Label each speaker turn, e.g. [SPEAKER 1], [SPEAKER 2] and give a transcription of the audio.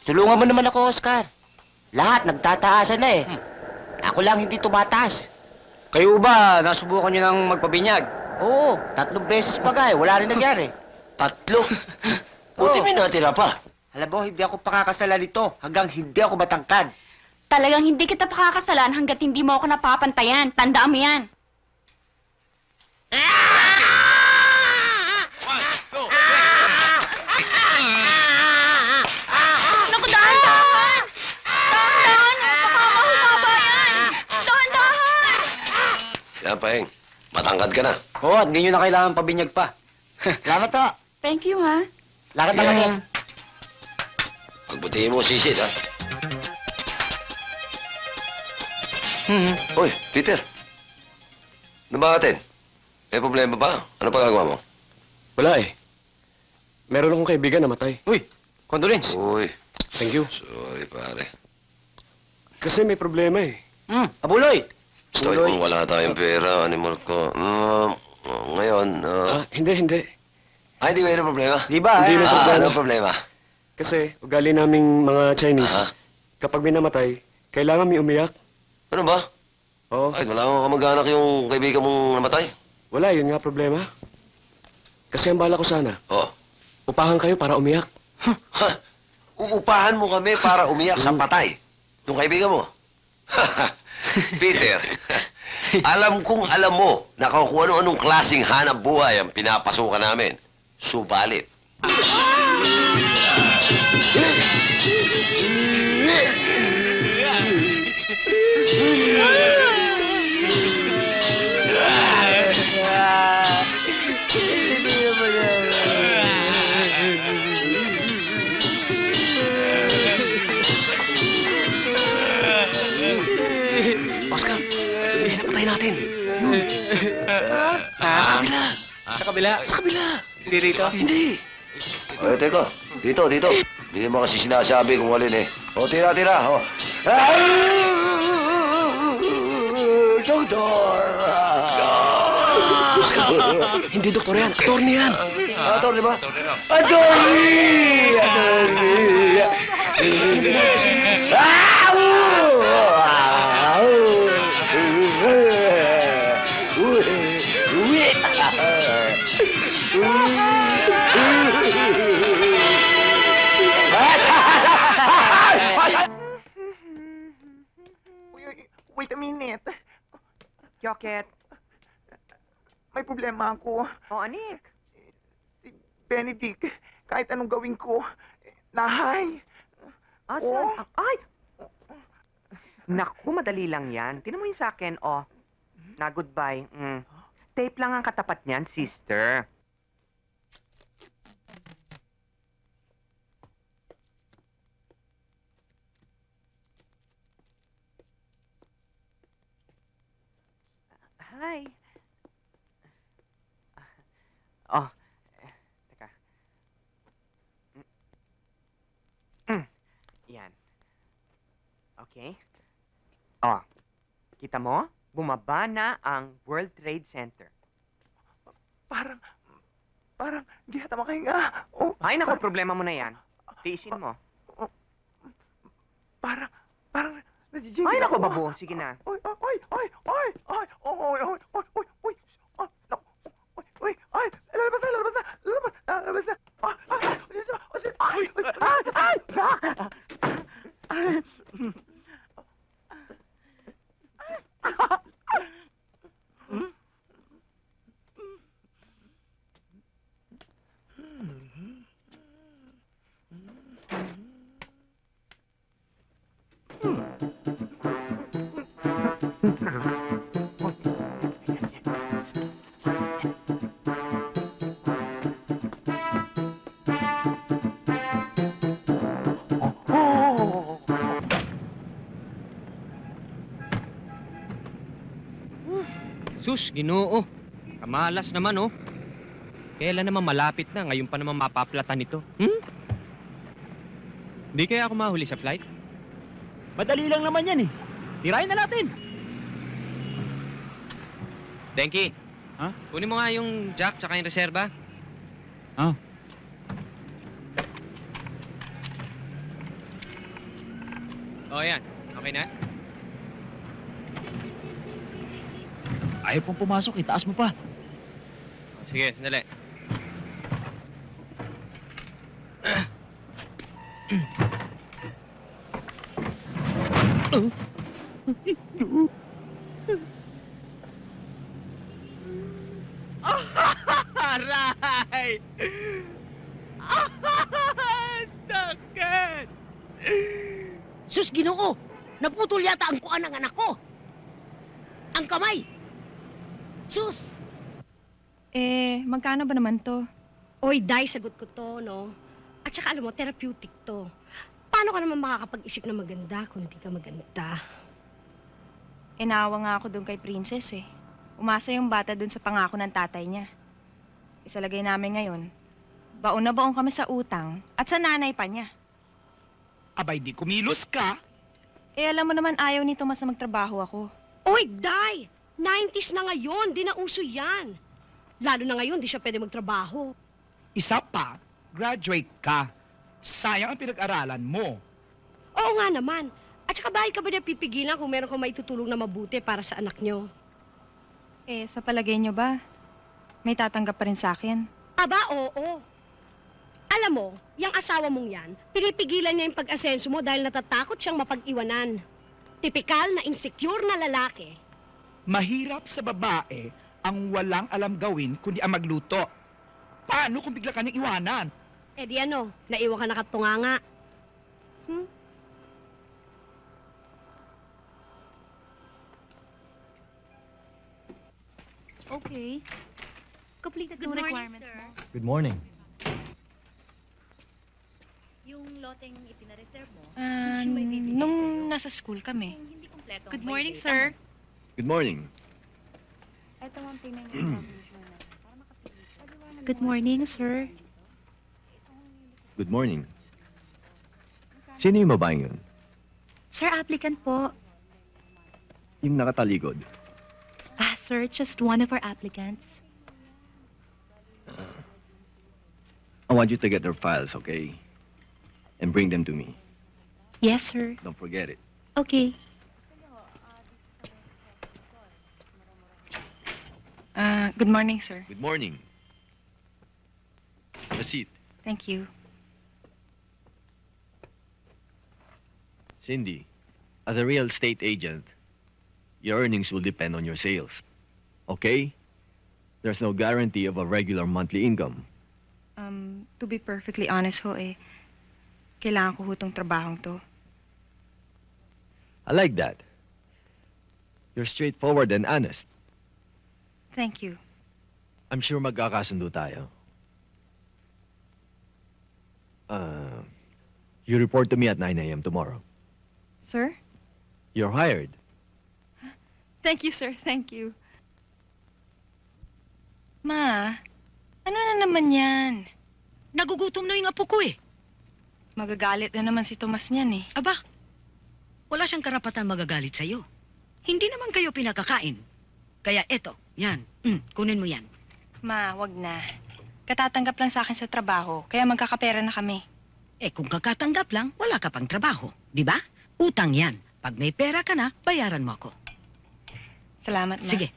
[SPEAKER 1] Tulungan mo naman ako, Oscar. Lahat nagtataasan na eh. Ako lang hindi tumataas.
[SPEAKER 2] Kayo ba, nasubukan nyo ng magpabinyag?
[SPEAKER 1] Oo, 3 beses pa nga eh. Wala rin nangyari.
[SPEAKER 3] 3? Buti may natira pa.
[SPEAKER 1] Alam mo, hindi ako pakakasalan nito hanggang hindi ako matangkad.
[SPEAKER 4] Talagang hindi kita pakakasalan hanggat hindi mo ako napapantayan. Tandaan mo yan. Naku, dahan-dahan! Dahan-dahan! Baka mahumaba yan! Dahan-dahan!
[SPEAKER 3] Yan, Paeng. Matangkad ka na.
[SPEAKER 2] Oo, at hindi nyo na kailangan pabinyag pa.
[SPEAKER 1] Salamat to.
[SPEAKER 4] Thank you, ha?
[SPEAKER 1] Lakad na kami.
[SPEAKER 3] Pagbutihin mo, sisid, ha? Uy, Peter. Ano ba atin? May problema ba? Ano pa gagawa mo?
[SPEAKER 5] Wala eh. Meron akong kaibigan na matay.
[SPEAKER 2] Uy, condolence.
[SPEAKER 3] Uy,
[SPEAKER 5] Thank you.
[SPEAKER 3] sorry, pare.
[SPEAKER 5] Kasi may problema eh.
[SPEAKER 2] Abuloy!
[SPEAKER 3] Basta kung wala tayong pera, animal ko. Ngayon,
[SPEAKER 5] Hindi.
[SPEAKER 3] hindi mayroong problema.
[SPEAKER 2] Di ba?
[SPEAKER 5] Hindi na problema.
[SPEAKER 3] Ano problema?
[SPEAKER 5] Kasi ugali naming mga Chinese,
[SPEAKER 3] Ah.
[SPEAKER 5] kapag may namatay, kailangan may umiyak.
[SPEAKER 3] Ano ba?
[SPEAKER 5] Oo.
[SPEAKER 3] Ay, wala akong kamag-anak yung kaibigan mong namatay.
[SPEAKER 5] Wala, yun nga problema. Kasi ang bala ko sana,
[SPEAKER 3] Oh.
[SPEAKER 5] upahan kayo para umiyak.
[SPEAKER 3] Ha? Uupahan mo kami para umiyak sa patay. Yung kaibigan mo. Peter, alam kong alam mo na kung ano-anong klaseng hanap buhay ang pinapasukan namin. Subalit.
[SPEAKER 5] Oscar, bilis na patay natin. Sa kabila.
[SPEAKER 2] Sa kabila?
[SPEAKER 5] Sa kabila.
[SPEAKER 2] Hindi rito?
[SPEAKER 5] Hindi.
[SPEAKER 3] Ay, teka. Dito. Hindi mo kasi sinasabi kung alin eh. O, tira. O. Doktor!
[SPEAKER 5] Oscar, hindi doktor yan. Attorney yan.
[SPEAKER 3] Ator, di ba? Attorney!
[SPEAKER 6] Wait a minute. Joket. May problema ako.
[SPEAKER 7] O, anik.
[SPEAKER 6] Si Benedict, kahit anong gawin ko, nahay.
[SPEAKER 7] Asan? Ay! Naku, madali lang yan. Tinan mo yung sa akin, oh. Na goodbye. Tape lang ang katapat niyan, sister. Hi. Oh, teka. Yan. Okay. Oh, kita mo? Bumaba na ang World Trade Center.
[SPEAKER 6] Parang di hata makahinga. Oh,
[SPEAKER 7] Ay, naku, problema mo na yan. Tiisin mo.
[SPEAKER 6] parang, nadijigil
[SPEAKER 7] Ay, naku,
[SPEAKER 6] ako.
[SPEAKER 7] babu. Sige na.
[SPEAKER 6] Oy. Lalabas na.
[SPEAKER 8] Sus, Ginoo. Kamalas naman, oh. Kailan naman malapit na, ngayon pa naman mapaplatan ito. Hindi kaya ako mahuli sa flight?
[SPEAKER 2] Madali lang naman yan eh. Tirahin na natin.
[SPEAKER 8] Denki.
[SPEAKER 2] Ha?
[SPEAKER 8] Kunin mo nga yung jack tsaka yung reserva. O, yan. Okay na?
[SPEAKER 2] Ayaw pong pumasok, itaas mo pa.
[SPEAKER 8] Sige, sandali.
[SPEAKER 2] Aray! Sakit!
[SPEAKER 9] Sus, Ginoo! Naputol yata ang kuan ng anak ko! Ang kamay! Sus!
[SPEAKER 4] Magkano ba naman to?
[SPEAKER 9] Oy, Day, sagot ko to, no? At saka alam mo, therapeutic to. Paano ka naman makakapag-isip na maganda kung hindi ka maganda?
[SPEAKER 4] Inawa nga ako doon kay Princess eh. Umasa yung bata doon sa pangako ng tatay niya. Isalagay namin ngayon, baon na baon kami sa utang at sa nanay pa niya.
[SPEAKER 2] Abay, di kumilos ka.
[SPEAKER 4] Alam mo naman ayaw ni Tomas na magtrabaho ako.
[SPEAKER 9] Oy, Day! 90s na ngayon, di na uso yan. Lalo na ngayon, di siya pwede magtrabaho.
[SPEAKER 2] Isa pa, graduate ka. Sayang ang pinag-aralan mo.
[SPEAKER 9] Oo nga naman. At saka bakit ka ba niya pipigilan kung meron kang maitutulong na mabuti para sa anak niyo?
[SPEAKER 4] Sa palagay niyo ba, may tatanggap pa rin sa akin?
[SPEAKER 9] Aba, oo. Alam mo, yung asawa mong yan, pinipigilan niya yung pag-asenso mo dahil natatakot siyang mapag-iwanan. Tipikal na insecure na lalaki.
[SPEAKER 2] Mahirap sa babae ang walang alam gawin kundi ang magluto. Paano kung bigla ka niyang iwanan?
[SPEAKER 9] Eh di ano, naiwan ka nakatunganga.
[SPEAKER 4] Okay. Completed the requirements mo.
[SPEAKER 2] Good morning.
[SPEAKER 10] Yung loteng ipinareserve mo,
[SPEAKER 4] Nung nasa school kami.
[SPEAKER 10] kung hindi kompleto ang
[SPEAKER 4] Good morning,
[SPEAKER 10] may
[SPEAKER 4] sir.
[SPEAKER 3] Good morning.
[SPEAKER 4] Ito ang payment
[SPEAKER 10] Good morning, sir.
[SPEAKER 3] Good morning. Sino yung babaeng yun?
[SPEAKER 10] Sir, applicant po.
[SPEAKER 3] Yung nakataligod.
[SPEAKER 10] Sir, just one of our applicants.
[SPEAKER 3] I want you to get their files, okay? And bring them to me.
[SPEAKER 10] Yes, sir.
[SPEAKER 3] Don't forget it.
[SPEAKER 10] Okay.
[SPEAKER 4] Good morning, sir.
[SPEAKER 3] Good morning. Have a seat.
[SPEAKER 4] Thank you.
[SPEAKER 3] Cindy, as a real estate agent, your earnings will depend on your sales. Okay? There's no guarantee of a regular monthly income.
[SPEAKER 4] To be perfectly honest ho kailangan ko hutong trabahong to.
[SPEAKER 3] I like that. You're straightforward and honest.
[SPEAKER 4] Thank you.
[SPEAKER 3] I'm sure magkakasundo tayo. You report to me at 9 a.m. tomorrow.
[SPEAKER 4] Sir?
[SPEAKER 3] You're hired.
[SPEAKER 4] Thank you, sir. Thank you. Ma, ano na naman yan?
[SPEAKER 9] Nagugutom na yung apo ko eh.
[SPEAKER 4] Magagalit na naman si Tomas niyan eh.
[SPEAKER 9] Aba, wala siyang karapatan magagalit sa'yo. Hindi naman kayo pinakakain. Kaya eto, yan. Kunin mo yan.
[SPEAKER 4] Ma, wag na. Katatanggap lang sa akin sa trabaho, kaya magkakapera na kami.
[SPEAKER 9] Eh kung kakatanggap lang, wala ka pang trabaho. Di ba? Utang yan. Pag may pera ka na, bayaran mo ako.
[SPEAKER 4] Salamat, Ma.
[SPEAKER 9] Sige,